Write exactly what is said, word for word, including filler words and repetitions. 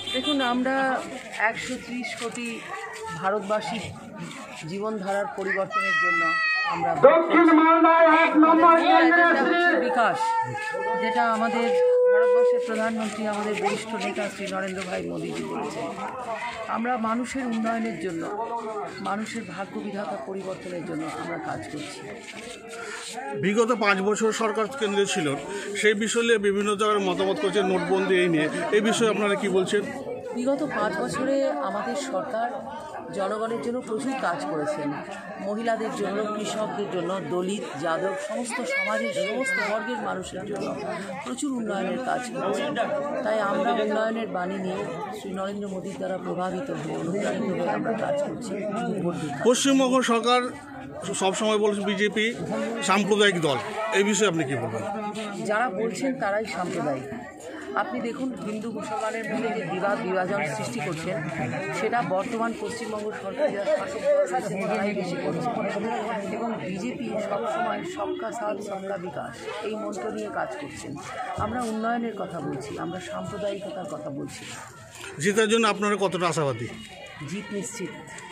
দেখুন, আমরা একশো ত্রিশ কোটি ভারতবাসীর জীবনধারার পরিবর্তনের জন্য আমরা বিকাশ, যেটা আমাদের ভারতবর্ষের প্রধানমন্ত্রী, আমাদের বরিষ্ঠ নেতা শ্রী নরেন্দ্র ভাই মোদীজি বলেছেন। আমরা মানুষের উন্নয়নের জন্য, মানুষের ভাগ্য বিধাতা পরিবর্তনের জন্য আমরা কাজ করছি। বিগত পাঁচ বছর সরকার কেন্দ্রে ছিল, সেই বিষয়ে বিভিন্ন জায়গায় মতামত করছে নোটবন্দি এই নিয়ে, এই বিষয়ে আপনারা কি বলছেন? বিগত পাঁচ বছরে আমাদের সরকার জনগণের জন্য প্রচুর কাজ করেছেন। মহিলাদের জন্য, কৃষকদের জন্য, দলিত, যাদব, সমস্ত সমাজের সমস্ত বর্গের মানুষের জন্য প্রচুর উন্নয়নের কাজ করেছেন। তাই আমরা উন্নয়নের বাণী নিয়ে শ্রী নরেন্দ্র মোদীর দ্বারা প্রভাবিত হয়ে, অনুপ্রাণিত হয়ে আমরা কাজ করছি। পশ্চিমবঙ্গ সরকার সবসময় বলছে বিজেপি সাম্প্রদায়িক দল, এই বিষয়ে আপনি কি বলবেন? যারা বলছেন তারাই সাম্প্রদায়িক। আপনি দেখুন, হিন্দু মুসলমানের মধ্যে যে বিবাদ বিভাজন সৃষ্টি করছেন, সেটা বর্তমান পশ্চিমবঙ্গ সরকার যারা শাসক তারাই বেশি করছে। এবং বিজেপি সবসময় সবকা সাথ সবকা বিকাশ এই মন্ত্র নিয়ে কাজ করছেন। আমরা উন্নয়নের কথা বলছি, আমরা সাম্প্রদায়িকতার কথা বলছি। জেতার জন্য আপনারা কতটা আশাবাদী? জিত নিশ্চিত।